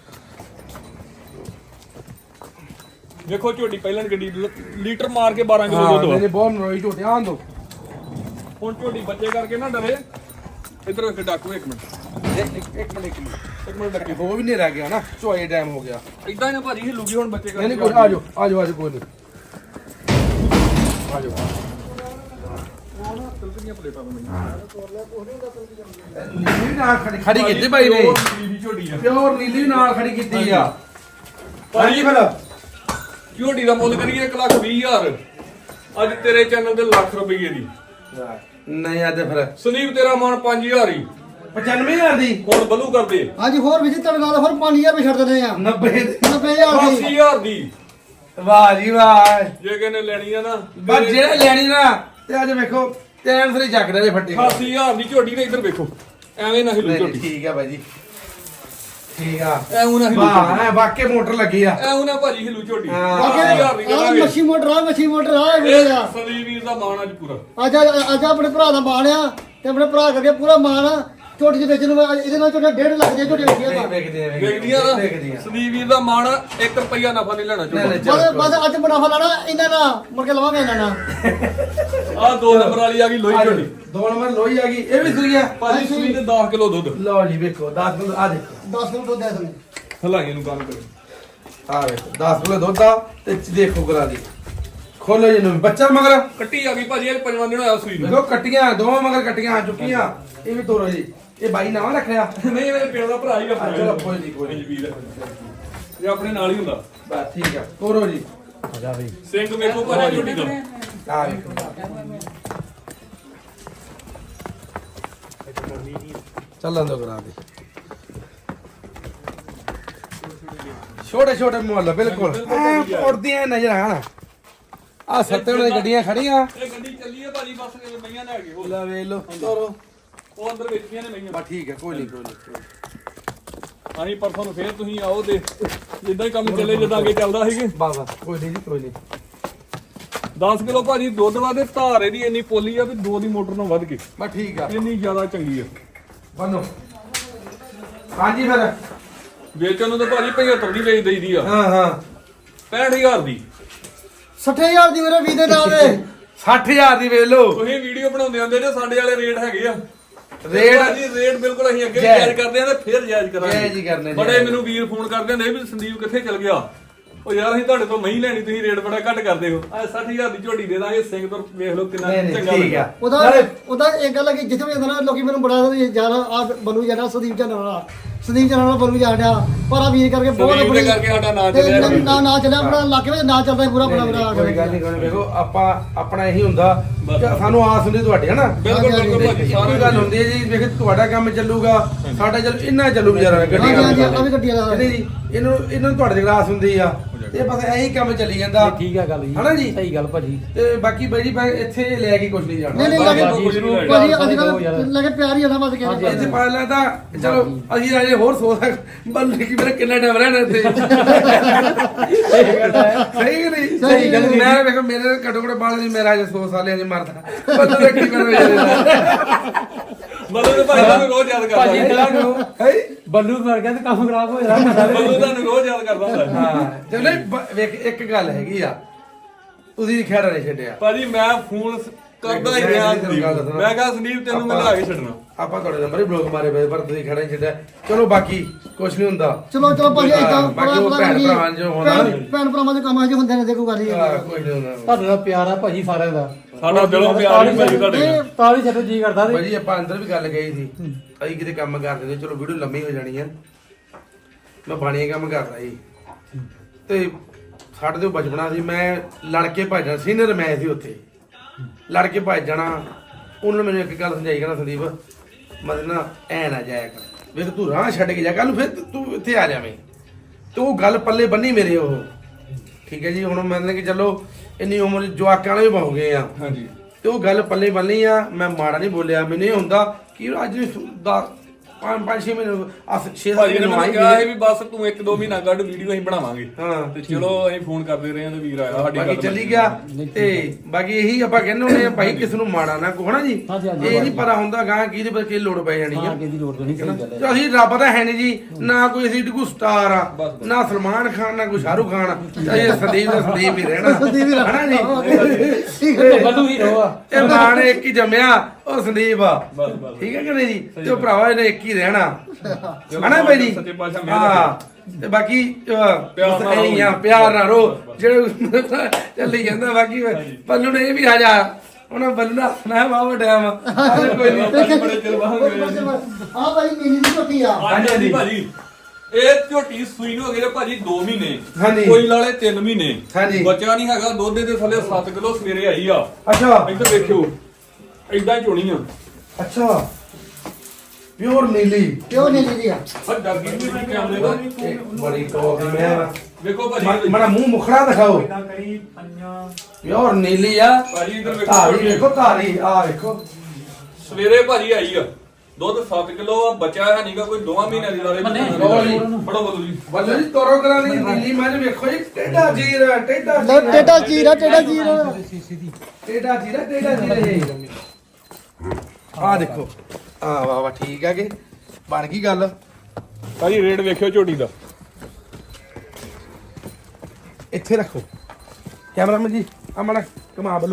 Speaker 2: ਵੇਖੋ ਝੋਟੀ ਪਹਿਲਾਂ ਗੱਡੀ ਲੀਟਰ ਮਾਰ ਕੇ ਬਾਰਾਂ ਕਿਲੋ
Speaker 1: ਹਾਂ
Speaker 2: ਦੁੱਧ
Speaker 1: ਮੇਰੇ
Speaker 2: ਵਾ।
Speaker 1: ਬਹੁਤ ਨਰੋਈ ਝੋਟੀ ਆਂ ਦੋ।
Speaker 2: ਹੁਣ ਝੋਟੀ ਬੱਚੇ ਕਰਕੇ ਨਾ ਡਰੇ। ਇਧਰ ਵੇਖ ਡਾਕੂ ਇੱਕ ਮਿੰਟ,
Speaker 1: ਇੱਕ ਇੱਕ ਇੱਕ ਮਿੰਟ ਇੱਕ ਮਿੰਟ
Speaker 2: ਇੱਕ ਮਿੰਟ ਡੱਕੀ।
Speaker 1: ਹੋ ਵੀ ਨਹੀਂ ਰਹਿ ਗਿਆ ਨਾ, ਚੋਏ ਟਾਈਮ ਹੋ ਗਿਆ।
Speaker 2: ਇਦਾਂ ਹੀ ਨਾ ਭਾਜੀ ਹਿੱਲੂਗੀ ਹੁਣ ਬੱਚੇ
Speaker 1: ਨਹੀਂ ਨਹੀਂ
Speaker 2: ਕਰਕੇ।
Speaker 1: ਕੋਈ ਆ ਜਾਓ ਆ ਜਾਓ ਆ ਜਾਓ ਕੋਈ ਨਹੀਂ ਆ ਜਾਓ। ਨੀਲੀ ਨਾਲ ਖੜੀ ਖੜੀ ਕੀਤੀ ਬਾਈ ਨੇ।
Speaker 2: ਝੋਟੀ ਆ
Speaker 1: ਪਿਓਰ ਨੀਲੀ ਨਾਲ ਖੜੀ ਕੀਤੀ ਆ।
Speaker 2: ਭਾਜੀ ਫਿਰ ਝੋਟੀ ਦਾ ਮੁੱਲ ਕਰੀਏ ਇੱਕ ਲੱਖ ਵੀਹ ਹਜ਼ਾਰ। ਅੱਜ ਤੇਰੇ ਚੈਨਲ ਤੇ ਲੱਖ ਰੁਪਏ ਦੀ।
Speaker 1: ਨਹੀਂ ਆ ਤੇ ਫਿਰ
Speaker 2: ਸੰਦੀਪ ਤੇਰਾ ਮਾਨ ਪੰਜ ਹਜ਼ਾਰ ਹੀ।
Speaker 1: ਪਚਾਨਵੇਂ ਹਜ਼ਾਰ ਦੀ।
Speaker 2: ਹੁਣ ਬਲੂ ਕਰਦੇ
Speaker 3: ਹਾਂਜੀ ਹੋਰ ਵੀ ਤੜ ਨਾਲ ਹੋਰ ਪੰਜ ਹਜ਼ਾਰ ਵੀ ਛੱਡ ਦਿੰਦੇ ਆ।
Speaker 1: ਨੱਬੇ ਦੀ।
Speaker 3: ਨੱਬੇ ਹਜ਼ਾਰ
Speaker 2: ਅੱਸੀ
Speaker 3: ਦੀ।
Speaker 2: ਹਜ਼ਾਰ ਦੀ।
Speaker 1: ਵਾਹ ਜੀ ਵਾਹ।
Speaker 2: ਜੇ ਕਿਨੇ ਲੈਣੀ ਆ ਨਾ
Speaker 1: ਬਸ ਜਿਹੜੇ ਲੈਣੀ ਨਾ ਤੇ ਅੱਜ ਵੇਖੋ ਟਾਈਮ ਸਿਰ ਜੱਗਦਾ ਜੇ ਫੱਟੇ।
Speaker 2: ਅਠਾਸੀ ਹਜ਼ਾਰ ਦੀ ਝੋਟੀ ਨੇ। ਇੱਧਰ ਵੇਖੋ ਐਵੇਂ ਨਾ ਹਿੱਲੂ
Speaker 1: ਨਹੀਂ,
Speaker 2: ਝੋਟੀ।
Speaker 1: ਠੀਕ ਆ ਬਾਈ ਜੀ ਠੀਕ ਆ।
Speaker 2: ਐਵੇਂ ਨਾ ਹਿੱਲੂ ਝੋਟੀ।
Speaker 1: ਵਾਹ ਐ ਵਾਕੇ ਮੋਟਰ ਲੱਗੀ ਆ।
Speaker 2: ਐਵੇਂ ਨਾ ਭਾਜੀ ਹਿੱਲੂ ਝੋਟੀ।
Speaker 1: ਹਾਂ।
Speaker 2: ਅੱਸੀ ਹਜ਼ਾਰ ਦੀ
Speaker 3: ਆ
Speaker 2: ਕਰਾਂਗੇ।
Speaker 3: ਮੱਛੀ ਮੋਟਰ ਆ ਮੱਛੀ ਮੋਟਰ ਆ ਇਹ
Speaker 2: ਇਹ
Speaker 3: ਵੇਲੇ ਆ।
Speaker 2: ਸੰਦੀਪ ਵੀਰ ਦਾ ਮਾਣ ਅੱਜ ਪੂਰਾ।
Speaker 3: ਅੱਜ ਅੱਜ ਆਪਣੇ ਭਰਾ ਦਾ ਮਾਣ ਆ ਤੇ ਆਪਣੇ ਭਰਾ ਕਰਕੇ ਪੂਰਾ ਮਾਣ ਆ। ਝੋਟੀ ਦੇ ਵਿੱਚ ਨੂੰ ਇਹਦੇ ਨਾਲ ਝੋਟਾ ਡੇਢ ਲੱਖ ਦੀ ਝੋਟੀ ਵੇਚੀ ਆ।
Speaker 1: ਵੇਖਦੇ ਆ
Speaker 2: ਵੇਖਦੀਆਂ ਨਾ
Speaker 1: ਵੇਖਦੀਆਂ।
Speaker 2: ਸੰਦੀਪ ਵੀਰ ਦਾ ਮਾਣ ਇੱਕ ਰੁਪਈਆ ਨਫਾ ਨਹੀਂ ਲੈਣਾ
Speaker 1: ਨਹੀਂ, ਨਹੀਂ,
Speaker 2: ਚਾਹੁੰਦਾ।
Speaker 3: ਬਸ ਬਸ ਅੱਜ ਮੁਨਾਫਾ ਲੈਣਾ ਇਹਨਾਂ ਦਾ ਮੁੜ ਕੇ ਲਵਾਂਗੇ ਇਹਨਾਂ ਨਾਲ।
Speaker 2: ਆਹ ਦੋ ਨੰਬਰ ਵਾਲੀ ਆ ਗਈ ਲੋਹੀ ਝੋਟੀ।
Speaker 1: ਦੋ ਨੰਬਰ ਲੋਈ ਆ ਗਈ। ਇਹ ਵੀ ਸੂਈ ਆ।
Speaker 2: ਭਾਜੀ ਸੂਈ ਤੇ ਦਸ ਕਿਲੋ ਦੁੱਧ।
Speaker 1: ਲਓ ਜੀ ਵੇਖੋ ਦਸ ਕਿਲੋ ਆ ਦੇਖੋ।
Speaker 3: ਦਸ ਕਿਲੋ ਦੁੱਧ ਦੇ ਦੇਣੇ।
Speaker 2: ਹਲਾਈਏ ਨੂੰ ਕੰਮ ਕਰੇ।
Speaker 1: ਆ ਵੇਖੋ ਦਸ ਕਿਲੋ ਦੁੱਧ ਆ ਤੇ ਦੇਖੋ ਕਰਾ ਦੀ। ਖੋਲੋ ਜੀ ਨੂੰ ਬੱਚਾ ਮਗਰ
Speaker 2: ਕੱਟੀ ਆ ਗਈ ਭਾਜੀ, ਇਹ ਪੰਜਵਾਂ ਦਿਨ ਹੋਇਆ ਸੂਈ ਨੂੰ।
Speaker 1: ਦੇਖੋ ਕੱਟੀਆਂ ਦੋਵਾਂ ਮਗਰ ਕੱਟੀਆਂ ਆ ਚੁੱਕੀਆਂ। ਇਹ ਵੀ ਤੋਰੋ ਜੀ। ਇਹ ਬਾਈ ਨਾਮ ਰੱਖਿਆ।
Speaker 2: ਨਹੀਂ ਮੇਰੇ ਪਿਓ ਦਾ ਭਰਾ ਹੀ ਆਪਣਾ।
Speaker 1: ਚਲੋ ਕੋਈ ਨਹੀਂ ਕੋਈ ਨਹੀਂ
Speaker 2: ਵੀਰ ਇਹ ਆਪਣੇ ਨਾਲ ਹੀ ਹੁੰਦਾ।
Speaker 1: ਬਸ ਠੀਕ ਆ ਤੋਰੋ ਜੀ।
Speaker 2: ਸਿੰਘ ਵੇਖੋ ਭਾਜੀ ਝੋਟੀ ਦਾ।
Speaker 1: ਆ ਵੇਖੋ ਚੱਲਣ ਦੋ ਕਰਾ ਦੇ। ਛੋਟੇ ਛੋਟੇ ਮੁੱਲ ਬਿਲਕੁਲ ਉੜਦੀਆਂ ਨਜ਼ਰ ਆਣ। ਆ ਸੱਤੇ ਵਾਲੇ ਗੱਡੀਆਂ ਖੜੀਆਂ।
Speaker 2: ਇਹ ਗੱਡੀ ਚੱਲੀ ਹੈ ਭਾਜੀ, ਬਸ ਇਹ ਮਈਆਂ ਲੈ ਕੇ।
Speaker 1: ਲੈ ਵੇਖ ਲੋ ਤੋਰੋ
Speaker 2: ਉਹ ਅੰਦਰ ਵੇਚੀਆਂ ਨੇ ਮਈਆਂ
Speaker 1: ਬਸ ਠੀਕ ਹੈ ਕੋਈ ਨਹੀਂ ਕੋਈ ਨਹੀਂ
Speaker 2: ਅਸੀਂ ਪਰਸੋਂ ਨੂੰ ਫੇਰ ਤੁਸੀਂ ਆਓ ਤੇ ਜਿੱਦਾਂ ਹੀ ਕੰਮ ਚੱਲੇ ਜਿੱਦਾਂ ਅੱਗੇ ਚੱਲਦਾ ਸੀਗੇ
Speaker 1: ਬਸ ਬਸ ਕੋਈ ਨਹੀਂ ਜੀ ਕੋਈ ਨਹੀਂ
Speaker 2: ਦਸ ਕਿਲੋ ਭਾਜੀ ਦੁੱਧ ਵਾਦੇ ਧਾਰ ਇਹਦੀ ਇੰਨੀ ਪੋਲੀ ਆ ਵੀ ਦੋ ਦੀ ਮੋਟਰ ਨਾਲ ਵੱਧ ਕੇ
Speaker 1: ਬਸ ਠੀਕ ਆ
Speaker 2: ਇੰਨੀ ਜ਼ਿਆਦਾ ਚੰਗੀ ਆ
Speaker 1: ਬੰਨੋ ਹਾਂਜੀ ਫਿਰ
Speaker 2: ਵੇਚਣ ਨੂੰ ਤਾਂ ਭਾਜੀ ਪਝੱਤਰ ਦੀ ਵੇਚ ਦਈਦੀ ਆ
Speaker 1: ਹਾਂ ਹਾਂ
Speaker 2: ਪੈਂਹਠ ਹਜ਼ਾਰ ਦੀ
Speaker 3: ਸੱਠ ਹਜ਼ਾਰ ਦੀ ਮੇਰੇ ਵੀਹ ਦੇ ਨਾਲ ਦੇ
Speaker 1: ਸੱਠ ਹਜ਼ਾਰ ਦੀ ਵੇਚ ਲਓ
Speaker 2: ਤੁਸੀਂ ਵੀਡੀਓ ਬਣਾਉਂਦੇ ਹੁੰਦੇ ਜੇ ਸਾਡੇ ਵਾਲੇ ਰੇਟ ਹੈਗੇ ਆ
Speaker 1: ਰੇਟ
Speaker 2: ਭਾਜੀ ਰੇਟ ਬਿਲਕੁਲ ਅਸੀਂ ਅੱਗੇ ਵੀ
Speaker 1: ਜਾਇਜ਼।
Speaker 2: ਜਾਇਜ਼ ਕਰਦੇ ਆ ਤੇ ਫਿਰ ਜਾਇਜ਼
Speaker 1: ਜਾਇਜ਼ ਹੀ
Speaker 2: ਕਰਾਂਗੇ
Speaker 1: ਕਰਨੇ,
Speaker 2: ਬੜੇ
Speaker 1: ਜਾਇਜ਼।
Speaker 2: ਮੈਨੂੰ ਵੀਰ ਫੋਨ ਕਰਦੇ ਹੁੰਦੇ ਵੀ ਸੰਦੀਪ ਕਿੱਥੇ ਚਲ ਗਿਆ ਉਹ ਯਾਰ ਅਸੀਂ ਤੁਹਾਡੇ ਤੋਂ ਮਹੀਂ ਲੈਣੀ ਤੁਸੀਂ ਰੇਟ ਬੜਾ ਘੱਟ ਕਰਦੇ ਹੋ ਆ ਸੱਠ ਹਜ਼ਾਰ ਦੀ ਝੋਟੀ ਦੇ ਦਾਂਗੇ ਸਿੰਘ ਤੋਂ ਵੇਖ ਲਓ ਕਿੰਨਾ
Speaker 1: ਨਹੀਂ ਨਹੀਂ
Speaker 2: ਚੰਗਾ
Speaker 1: ਠੀਕ
Speaker 2: ਲੱਗਾ।
Speaker 1: ਆ
Speaker 3: ਉਹਦਾ
Speaker 1: ਨਾਲੇ
Speaker 3: ਉਹਦਾ ਇੱਕ ਗੱਲ ਹੈ ਕਿ ਜਿੱਥੇ ਵੀ ਜਾਂਦਾ ਨਾ ਲੋਕੀ ਮੈਨੂੰ ਬੜਾ ਜਾਣਾ ਆ ਬਲੂ ਜਾਣਾ ਸੰਦੀਪ ਜਾਣਾ ਵਾਲਾ ਸੰਦੀਪ ਜਾਣਾ ਵਾਲਾ ਬਲੂ ਜਾਣਾ ਪਰ ਆ ਵੀਰ ਕਰਕੇ ਬਹੁਤ
Speaker 2: ਸੰਦੀਪ ਦੇ
Speaker 3: ਬੜੀ
Speaker 2: ਕਰਕੇ ਸਾਡਾ ਨਾਂ
Speaker 3: ਤੇ
Speaker 2: ਚੱਲਿਆ
Speaker 3: ਨਾ- ਨਾ ਨਾ ਚੱਲਿਆ ਆਪਣਾ ਇਲਾਕੇ ਵਿੱਚ ਨਾ ਚੱਲਦਾ ਪੂਰਾ ਬੜਾ ਬੜਾ
Speaker 1: ਕੋਈ ਗੱਲ ਨਹੀਂ ਕੋਈ ਨੀ, ਵੇਖੋ ਆਪਾਂ ਆਪਣਾ ਇਹੀ ਹੁੰਦਾ ਕਿ ਸਾਨੂੰ ਆਸ ਹੁੰਦੀ ਤੁਹਾਡੇ ਹਨਾ
Speaker 2: ਬਿਲਕੁਲ ਬਿਲਕੁਲ ਭਾਜੀ
Speaker 1: ਇੱਕੋ
Speaker 2: ਸਾਰੇ
Speaker 1: ਹੀ ਗੱਲ ਹੁੰਦੀ ਹੈ ਜੀ ਵੇਖ ਤੁਹਾਡਾ ਕੰਮ ਚੱਲੂਗਾ ਸਾਡਾ ਚੱਲ ਇੰਨਾ ਚੱਲੂ ਵਿਚਾਰਾ ਗੱਡੀ
Speaker 3: ਹਾਂਜੀ ਹਾਂਜੀ
Speaker 1: ਕੰਮ
Speaker 3: ਆ ਵੀ ਗੱਡੀਆਂ ਦਾ
Speaker 1: ਨਹੀਂ ਜੀ ਇਹਨੂੰ ਇਹਨਾਂ ਨੂੰ ਤੁਹਾਡੇ ਤੇ ਗਲਾਸ ਹੁੰਦੀ ਆ ਇਹ ਬਸ ਇਹੀ ਕੰਮ ਚੱਲੀ ਜਾਂਦਾ
Speaker 4: ਠੀਕ ਆ ਗੱਲ ਜੀ
Speaker 1: ਹਨਾ ਜੀ
Speaker 4: ਸਹੀ ਗੱਲ ਭਾਜੀ
Speaker 1: ਤੇ ਬਾਕੀ ਬਾਈ ਜੀ ਮੈਂ ਇੱਥੇ ਲੈ ਕੇ ਕੁਝ ਨਹੀਂ ਜਾਣਾ
Speaker 3: ਨਹੀਂ ਨਹੀਂ
Speaker 2: ਬਾਕੀ
Speaker 3: ਲੱਗੇ
Speaker 2: ਕੁਛ ਨੀ ਲੈ
Speaker 3: ਭਾਜੀ
Speaker 4: ਜਾਣਾ।
Speaker 3: ਅੱਜ ਕੱਲ ਲੱਗੇ ਪਿਆਰ ਹੀ ਆਦਾ ਬਸ ਕਹਿੰਦੇ
Speaker 1: ਇੱਥੇ ਪਾ ਲੈ ਤਾਂ ਚਲੋ ਅਸੀਂ ਅਜੇ ਹੋਰ ਸੋਚ ਬੰਦੇ ਕੀ ਮੇਰਾ ਕਿੰਨਾ ਟਾਈਮ ਰਹਿਣਾ ਇੱਥੇ ਸਹੀ ਕਿ ਨਹੀਂ
Speaker 3: ਸਹੀ ਗੱਲ
Speaker 1: ਮੈਂ ਵੇਖੋ ਮੇਰੇ ਘੱਟੋ ਘੱਟ ਬਾਲ ਨਹੀਂ ਮੇਰਾ ਅਜੇ ਸੌ ਸਾਲ ਅਜੇ ਮਰਦਾ ਬੰਦੇ ਦਾ ਕੀ ਕਰਨਾ
Speaker 2: ਮਤਲਬ ਤੇ ਭਾਈ ਤੁਹਾਨੂੰ ਰੋਜ਼ ਯਾਦ ਕਰਦਾ
Speaker 4: ਭਾਜੀ
Speaker 2: ਹੈ
Speaker 4: ਤੁਹਾਨੂੰ
Speaker 1: ਹੈ
Speaker 4: ਬੱਲੂ ਮਰ ਗਿਆ ਤੇ ਕੰਮ ਖਰਾਬ ਹੋ ਜਾਣਾ
Speaker 2: ਮਤਲਬ ਤੁਹਾਨੂੰ ਰੋਜ਼ ਯਾਦ ਕਰਦਾ ਹੁੰਦਾ ਹੈ।
Speaker 1: ਹਾਂ ਚਲੋ ਬ- ਵੇਖ ਇੱਕ ਗੱਲ ਹੈਗੀ ਆ ਤੁਸੀਂ ਖੈੜਾ ਨਹੀਂ ਛੱਡਿਆ
Speaker 2: ਭਾਜੀ ਮੈਂ ਫੋਨ ਕਰਦਾ ਹੀ ਰਿਹਾ ਸੰਦੀਪ ਨੂੰ। ਮੈਂ ਕਿਹਾ ਸੰਦੀਪ ਤੈਨੂੰ ਮੈਂ ਲਿਆ ਕੇ ਛੱਡਣਾ
Speaker 1: ਆਪਾਂ ਤੁਹਾਡੇ ਨੰਬਰ ਹੀ ਬਲੌਕ ਮਾਰੇ ਪਏ ਪਰ ਤੁਸੀਂ ਖੜਾ ਨਹੀਂ ਛੱਡਿਆ ਚਲੋ ਬਾਕੀ ਕੁਝ ਨਹੀਂ ਹੁੰਦਾ
Speaker 3: ਚਲੋ ਚਲੋ ਭਾਜੀ ਇਦਾਂ
Speaker 1: ਬਾਕੀ ਉਹ ਭੈਣ ਭਰਾ ਜੋ ਹੋਣਾ
Speaker 3: ਭੈਣ ਭਰਾਵਾਂ ਦੇ ਕੰਮ ਆ ਜੋ ਹੁੰਦੇ ਨੇ ਦੇਖੋ ਗੱਲ ਹੀ
Speaker 1: ਹਾਂ, ਕੁਝ ਨਹੀਂ ਹੁੰਦਾ
Speaker 4: ਤੁਹਾਡਾ ਦਾ ਪਿਆਰ ਆ ਭਾਜੀ ਸਾਰਿਆਂ ਦਾ
Speaker 2: ਸਾਡਾ ਦਿਲੋਂ ਪਿਆਰ ਹੀ ਭਾਜੀ ਤੁਹਾਡੇ ਨਾਲ
Speaker 4: ਤਾਂ ਵੀ ਛੱਡੋ ਜੀ ਕਰਦਾ ਤੇ
Speaker 1: ਭਾਜੀ ਆਪਾਂ ਅੰਦਰ ਵੀ ਗੱਲ ਗਈ ਸੀ ਅਸੀਂ ਕਿਤੇ ਕੰਮ ਕਰਦੇ ਤੇ ਚਲੋ ਵੀਡੀਓ ਲੰਮੀ ਹੋ ਜਾਣੀ ਆ ਮੈਂ ਬਾਣੀਆਂ ਕੰਮ ਕਰਦਾ ਸੀ ਤੇ ਸਾਡੇ ਤੋਂ ਬਚਪਨਾ ਸੀ ਮੈਂ ਲੜ ਕੇ ਭੱਜ ਜਾਣਾ ਸੀਨੀਅਰ ਮੈਂ ਸੀ ਉੱਥੇ ਲੜ ਕੇ ਭੱਜ ਜਾਣਾ ਉਹਨਾਂ ਨੇ ਮੈਨੂੰ ਇੱਕ ਗੱਲ ਸਮਝਾਈ ਕਹਿੰਦਾ ਸੰਦੀਪ ਮਤਲਬ ਨਾ ਐ ਨਾ ਜਾਇਆ ਕਰ ਵੇਖ ਤੂੰ ਰਾਹ ਛੱਡ ਕੇ ਜਾ ਕੱਲ ਨੂੰ ਫਿਰ ਤੂੰ ਇੱਥੇ ਆ ਜਾਵੇਂ ਤੇ ਉਹ ਗੱਲ ਪੱਲੇ ਬੰਨੀ ਮੇਰੇ ਉਹ ਠੀਕ ਹੈ ਜੀ ਹੁਣ ਮੰਨ ਕਿ ਚਲੋ ਇੰਨੀ ਉਮਰ ਜਵਾਕਾਂ ਵਾਲੇ ਵੀ ਹੋ ਗਏ ਆ
Speaker 2: ਹਾਂਜੀ
Speaker 1: ਤੇ ਉਹ ਗੱਲ ਪੱਲੇ ਬੰਨੀ ਆ ਮੈਂ ਮਾੜਾ ਨਹੀਂ ਬੋਲਿਆ ਮੈਨੂੰ ਇਹ ਹੁੰਦਾ ਕਿ ਅੱਜ ਦਾ ਪੰਜ ਪੰਜ ਛੇ ਮਹੀਨੇ ਅਸ ਛੇ ਸੱਤ
Speaker 2: ਭਾਜੀ ਨੇ
Speaker 1: ਮਹੀਨੇ
Speaker 2: ਮੈਨੂੰ
Speaker 1: ਆਈ
Speaker 2: ਕਿਹਾ ਸੀ ਵੀ ਬਸ ਤੂੰ ਇੱਕ ਦੋ ਮਹੀਨਾ ਕੱਢ ਵੀਡੀਓ ਅਸੀਂ ਬਣਾਵਾਂਗੇ
Speaker 1: ਹਾਂ
Speaker 2: ਤੇ ਚਲੋ ਅਸੀਂ ਫੋਨ ਕਰਦੇ ਰਹੇ ਹਾਂ ਤੇ ਵੀਰ ਆਇਆ ਸਾਡੀ
Speaker 1: ਬਾਕੀ
Speaker 2: ਗੱਲ
Speaker 1: ਚੱਲੀ ਗਿਆ ਤੇ ਬਾਕੀ ਇਹੀ ਆਪਾਂ ਕਹਿੰਦੇ ਹੁੰਦੇ ਆ ਭਾਈ ਕਿਸ ਨੂੰ ਮਾੜਾ ਨਾ ਕਹੋ ਨਾ ਜੀ
Speaker 4: ਹਾਂਜੀ, ਹਾਂਜੀ,
Speaker 1: ਇਹ ਨਹੀਂ ਪਤਾ ਹੁੰਦਾ ਗਾਂ ਕਿਹਦੇ ਪਰ ਕੀ ਲੋੜ ਪੈ ਜਾਣੀ ਆ
Speaker 4: ਹਾਂ ਕਿਹਦੀ ਲੋੜ ਨਹੀਂ ਸਹੀ ਗੱਲ ਹੈ
Speaker 1: ਤੇ ਅਸੀਂ ਰੱਬ ਤਾਂ ਹੈ ਨਹੀਂ ਜੀ ਨਾ ਕੋਈ ਅਸੀਂ ਕੋਈ ਸਟਾਰ ਆ ਨਾ ਸਲਮਾਨ ਖਾਨ ਨਾ ਕੋਈ ਸ਼ਾਹਰੁਖ ਖਾਨ ਇਹ ਸੰਦੀਪ ਦਾ ਸੰਦੀਪ ਹੀ ਰਹਿਣਾ
Speaker 3: ਸੰਦੀਪ ਹੀ ਰਹਿਣਾ।
Speaker 1: ਹਨਾ ਜੀ
Speaker 3: ਠੀਕ ਹੈ
Speaker 4: ਬੱਲੂ ਹੀਰੋ ਆ
Speaker 1: ਇਹ ਮਾਂ ਨੇ ਇੱਕ ਹੀ ਜੰਮਿਆ ਉਹ ਸੰਦੀਪ ਆ
Speaker 2: ਬਸ ਬਸ
Speaker 1: ਠੀਕ ਹੈ ਕਿ ਨਹੀਂ ਜੀ ਤੇ ਉਹ ਭਰਾਵਾ ਇਹਨੇ ਇੱਕ ਹੀ ਰਹਿਣਾ ਹਨਾ ਬਾਈ ਜੀ
Speaker 2: ਸੱਚੇ ਪਾਤਸ਼ਾਹ ਮਿਹਰ
Speaker 1: ਹਾਂ ਤੇ ਬਾਕੀ ਅਹ,
Speaker 2: ਪਿਆਰ ਨਾਲ
Speaker 1: ਇਹੀ ਆ
Speaker 2: ਰਹੋ।
Speaker 1: ਪਿਆਰ ਨਾਲ ਰੋ ਜਿਹੜੇ ਚੱਲੀ ਜਾਂਦਾ ਬਾਕੀ ਬੱਲੂ ਨੇ ਇਹ ਵੀ ਹਜਾ ਉਹਨਾਂ ਬੱਲੂ ਨਾਲ ਹੱਸਣਾ ਵਾਵਾ ਟਾਈਮ ਕੋਈ ਨਹੀਂ
Speaker 2: ਬੜੇ ਚਿਰ ਬਾਅਦ ਗਏ ਸੀ।
Speaker 3: ਆ ਭਾਈ ਨੀਲੀ ਦੀ ਝੋਟੀ ਆ
Speaker 2: ਹਾਂਜੀ ਹਾਂਜੀ ਭਾਜੀ ਇਹ ਝੋਟੀ ਸੂਈ ਨੂੰ ਹੋ ਗਏ ਨੇ ਭਾਜੀ ਦੋ ਮਹੀਨੇ
Speaker 1: ਹਾਂਜੀ।
Speaker 2: ਕੋਈ ਲਾਲੇ ਤਿੰਨ ਮਹੀਨੇ
Speaker 1: ਹਾਂਜੀ।
Speaker 2: ਬੱਚਾ ਨਹੀਂ ਹੈਗਾ ਦੁੱਧ ਦੇ ਥੱਲੇ ਸੱਤ ਕਿਲੋ ਸਵੇਰੇ ਆਈ ਆ
Speaker 1: ਅੱਛਾ
Speaker 2: ਇੱਧਰ ਵੇਖਿਓ ਏਦਾਂ ਹੀ ਚੋਣੀ ਆ
Speaker 1: ਅੱਛਾ ਪਿਓਰ ਨੀਲੀ
Speaker 3: ਕਿਉਂ ਨੀਲੀ ਦੀ ਆ
Speaker 2: ਆ ਡਰਗੀ ਵੀ ਨਹੀਂ ਕੈਮਰੇ ਦਾ
Speaker 1: ਇਹ ਬੜੀ ਟੌਪ ਦੀ ਮੈਂ
Speaker 2: ਵੇਖੋ
Speaker 1: ਮ-
Speaker 2: ਭਾਜੀ
Speaker 1: ਮਾੜਾ ਮੂੰਹ ਮੁਖੜਾ ਦਿਖਾਓ ਪਿਓਰ ਨੀਲੀ ਆ
Speaker 2: ਭਾਜੀ ਇੱਧਰ ਵੇਖੋ
Speaker 1: ਧਾਰੀ
Speaker 2: ਝੋਟੀ।
Speaker 1: ਵੇਖੋ ਧਾਰੀ ਆ ਵੇਖੋ
Speaker 2: ਸਵੇਰੇ ਭਾਜੀ ਆਈ ਆ ਦੁੱਧ ਸੱਤ ਕਿਲੋ ਆ ਬੱਚਾ ਹੈ ਨਹੀਂਗਾ ਕੋਈ ਦੋਵਾਂ ਮਹੀਨਿਆਂ ਦੀ ਲਾਲੇ
Speaker 1: ਲਓ ਜੀ।
Speaker 2: ਫੜੋ ਬਦਲੂ ਜੀ
Speaker 1: ਬੱਲੂ ਜੀ ਤੋਰੋ ਕਰਾਂ ਦੀ ਨੀਲੀ ਮੱਝ ਵੇਖੋ ਜੀ ਟੇਡਾ ਜੀਰ ਟੇਡਾ
Speaker 3: ਲੈ ਟੇਡਾ ਜੀਰਾ ਟੇਡਾ ਜੀਰਾ
Speaker 1: ਟੇਡਾ ਜੀਰ ਟੇਡਾ ਜੀਰ ਆ ਦੇਖੋ ਆ ਵਾਹ ਵਾਹ ਠੀਕ ਆ ਕਿ ਬਣ ਗਈ ਗੱਲ
Speaker 2: ਭਾਜੀ ਰੇਟ ਵੇਖਿਓ ਝੋਟੀ ਦਾ
Speaker 1: ਇੱਥੇ ਰੱਖੋ ਕੈਮਰਾਮੈਨ ਜੀ ਆ ਮੜਾ ਕਮਾ ਬੱਲੂ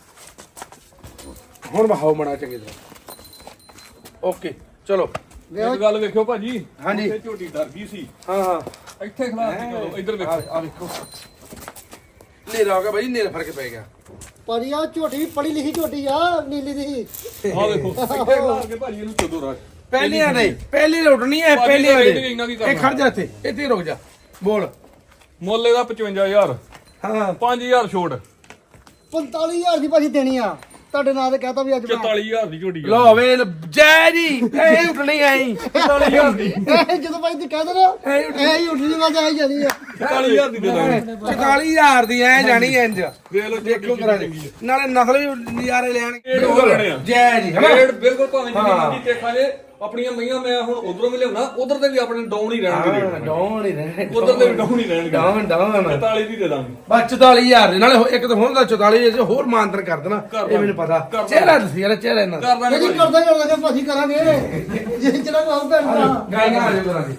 Speaker 1: ਹੁਣ ਬਹਾਓ ਮੜਾ ਚੰਗੀ ਤਰ੍ਹਾਂ ਓਕੇ ਚਲੋ
Speaker 2: ਇੱਕ ਗੱਲ ਵੇਖਿਓ ਭਾਜੀ
Speaker 1: ਹਾਂਜੀ।
Speaker 2: ਉੱਥੇ ਝੋਟੀ ਡਰ ਗਈ ਸੀ
Speaker 1: ਹਾਂ ਹਾਂ
Speaker 2: ਇੱਥੇ ਖਲਾਸ ਕਰੋ ਇੱਧਰ ਵੇਖੋ
Speaker 1: ਆ ਆ ਵੇਖੋ ਨੇਰਾ ਹੋ ਗਿਆ ਬਾਈ ਨੇਰਾ ਫਰਕ ਪੈ ਗਿਆ
Speaker 3: ਭਾਜੀ ਆ ਝੋਟੀ ਵੀ ਪੜੀ ਲਿਖੀ ਝੋਟੀ ਆ ਨੀਲੀ ਦੀ
Speaker 2: ਆ ਵੇਖੋ ਇੱਥੇ ਖਲਾਸ ਕੇ ਭਾਜੀ ਇਹਨੂੰ ਚੋਦੋ ਰੱਖ
Speaker 1: ਪਹਿਲੀਆਂ ਨਹੀਂ ਪਹਿਲੀ ਰੋਟਣੀ ਹੈ
Speaker 2: ਭਾਜੀ
Speaker 1: ਪਹਿਲੀਆਂ
Speaker 2: ਇਹਦੇ
Speaker 1: ਦੇ
Speaker 2: ਇੰਨਾ ਕੀ
Speaker 1: ਇਹ
Speaker 2: ਕਰਨਾ?
Speaker 1: ਖੜ ਜਾ ਇੱਥੇ ਇੱਥੇ ਰੁਕ ਜਾ ਬੋਲ
Speaker 2: ਮੁੱਲ ਇਹਦਾ ਪਚਵੰਜਾ ਹਜ਼ਾਰ
Speaker 1: ਹਾਂ
Speaker 2: ਪੰਜ ਹਜ਼ਾਰ ਛੋਟ
Speaker 3: ਪੰਤਾਲੀ ਹਜ਼ਾਰ ਦੀ ਭਾਜੀ ਦੇਣੀ ਆ ਤੁਹਾਡੇ ਨਾਂ ਤੇ ਕਹਤਾ ਵੀ ਅੱਜ ਮੈਂ
Speaker 2: ਚੁਤਾਲੀ ਹਜ਼ਾਰ ਦੀ ਝੋਟੀ ਆ
Speaker 1: ਲੋ ਵੇ ਜੈ ਜੀ ਇਹ ਉੱਠਣੀ ਆਈ
Speaker 2: ਚੁਤਾਲੀ ਹਜ਼ਾਰ ਦੀ
Speaker 3: ਇਹ ਜਦੋਂ ਭਾਈ ਤੂੰ ਕਹਿੰਦਾ ਨਾ ਇਹ ਹੀ ਉੱਠਣੀ ਮੈਂ ਤਾਂ ਆਈ ਜਾਣੀ ਆ
Speaker 2: ਚੁਤਾਲੀ ਹਜ਼ਾਰ ਦੀ ਦੇ ਦਾਂਗੇ
Speaker 1: ਚੁਤਾਲੀ ਹਜ਼ਾਰ ਦੀ ਐ ਜਾਣੀ ਇੰਜ
Speaker 2: ਵੇਖ ਲਓ
Speaker 1: ਦੇਖੋ ਕਰਾ ਦੇ ਨਾਲੇ ਨਸਲ ਵੀ ਨਜ਼ਾਰੇ ਲੈਣਗੇ
Speaker 2: ਰੇਟ ਉਹ ਲੈਣੇ ਆ
Speaker 1: ਜੈ ਜੀ ਹਨਾ
Speaker 2: ਰੇਟ ਬਿਲਕੁਲ ਭਾਵੇਂ ਜਿੰਨੀ ਮਰਜ਼ੀ ਦੇਖਾ ਜੇ ਆਪਣੀਆਂ ਮਈਆਂ ਮੈਂ ਹੁਣ ਉਧਰੋਂ ਵੀ ਲਿਆਉਣਾ ਉਧਰ ਤੇ ਵੀ ਆਪਣੇ ਡਾਊਨ ਹੀ ਰਹਿਣਗੇ ਰੇਟ
Speaker 1: ਡਾਊਨ ਹੀ ਰਹਿਣੇ
Speaker 2: ਉਧਰ ਤੇ ਵੀ ਡਾਊਨ ਹੀ ਰਹਿਣਗੇ
Speaker 1: ਡਾਊਨ ਡਾਊਨ
Speaker 2: ਚੁਤਾਲੀ ਦੀ ਦੇ ਦਾਂਗੇ
Speaker 1: ਬਸ ਚੁਤਾਲੀ ਹਜ਼ਾਰ ਦੇ ਨਾਲੇ ਹੋ- ਇੱਕ ਤਾਂ ਹੁਣ ਦਾ ਚੁਤਾਲੀ ਹਜ਼ਾਰ ਚ ਹੋਰ ਮਾਨਤਨ ਕਰ ਦੇਣਾ ਇਹ ਮੈਨੂੰ ਪਤਾ ਚਿਹਰਾ ਦੱਸੀ ਯਾਰ ਚਿਹਰਾ ਇਹਨਾਂ ਦਾ
Speaker 2: ਕਰ ਦਾਂਗੇ
Speaker 3: ਜਿਹੜੀ ਕਰਦਾ ਕਰਦਾ ਭਾਜੀ ਕਰਾਂਗੇ ਜੇ ਜਿਹੜਾ ਕੋ ਆਉ ਭੈਣ ਭਰਾ
Speaker 1: ਗਾਈਆਂ ਆ ਜਾਓ ਕਰਾਂਗੇ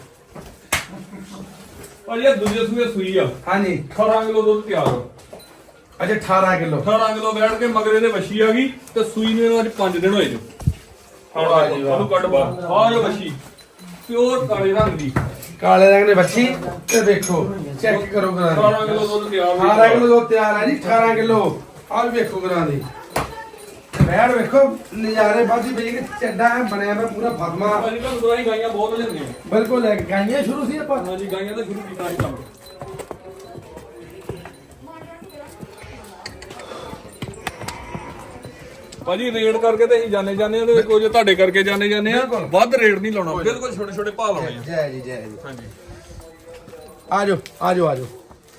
Speaker 2: ਭਾਜੀ ਇਹ ਦੂਜੇ ਸੂਏ ਸੂਈ ਆ
Speaker 1: ਹਾਂਜੀ
Speaker 2: ਅਠਾਰਾਂ ਕਿਲੋ ਦੁੱਧ ਤਿਆਰ ਆ
Speaker 1: ਅੱਛਾ ਅਠਾਰਾਂ ਕਿਲੋ
Speaker 2: ਅਠਾਰਾਂ ਕਿਲੋ ਬੈਠ ਕੇ ਮਗਰੇ ਦੇ ਵੱਛੀ ਆ ਗਈ ਤੇ ਸੂਈ ਨੂੰ ਇਹਨੂੰ ਅੱਜ ਪੰਜ ਦਿਨ ਹੋਏ ਜੋ
Speaker 1: ਵਾਹ ਜੀ ਵਾਹ।
Speaker 2: ਉਹਨੂੰ ਕੱਢ ਬਾਹਰ ਆਹ ਜੋ ਵੱਛੀ ਪਿਓਰ ਕਾਲੇ ਰੰਗ ਦੀ
Speaker 1: ਕਾਲੇ ਰੰਗ ਦੇ ਬੱਚੀ ਤੇ ਦੇਖੋ ਚੈੱਕ ਕਰੋ ਕਰਾਂ ਦੀ
Speaker 2: ਅਠਾਰਾਂ ਕਿਲੋ ਦੁੱਧ ਤਿਆਰ ਹੋਈ
Speaker 1: ਅਠਾਰਾਂ ਕਿਲੋ ਦੁੱਧ ਤਿਆਰ ਹੈ ਜੀ ਅਠਾਰਾਂ ਕਿਲੋ ਆਹ ਵੀ ਵੇਖੋ ਕਰਾਂ ਦੀ ਬੈੜ ਵੇਖੋ ਨਜ਼ਾਰੇ ਬਾਦੀ ਪਈ ਕਿ ਚੱਡਾ ਐਂ ਬਣਿਆ ਮੈਂ ਪੂਰਾ ਫਾਤਮਾ
Speaker 2: ਭਾਜੀ ਤੁਹਾਨੂੰ ਦਵਾਈ ਗਾਈਆਂ ਬਹੁਤ ਲੈਂਦੀਆਂ
Speaker 1: ਬਿਲਕੁਲ ਲੈ ਕੇ ਗਾਈਆਂ ਸ਼ੁਰੂ ਸੀ ਆਪਾਂ
Speaker 2: ਹਾਂਜੀ ਗਾਈਆਂ ਦਾ ਸ਼ੁਰੂ ਕੀਤਾ ਸੀ ਕੰਮ ਭਾਜੀ ਰੇਡ ਕਰਕੇ ਤੇ ਅਸੀਂ ਜਾਣੇ ਜਾਂਦੇ ਆ ਤੇ ਕੁਝ ਤੁਹਾਡੇ ਕਰਕੇ ਜਾਣੇ ਜਾਂਦੇ ਆ ਵੱਧ ਰੇਟ ਨਹੀਂ ਲਾਉਣਾ ਬਿਲਕੁਲ ਛੋਟੇ ਛੋਟੇ ਭਾਅ ਲਾਉਣੇ ਆ
Speaker 1: ਜੈ ਜੀ ਜੈ ਜੀ
Speaker 2: ਹਾਂਜੀ
Speaker 1: ਆ ਜਾਓ ਆ ਜਾਓ ਆ ਜਾਓ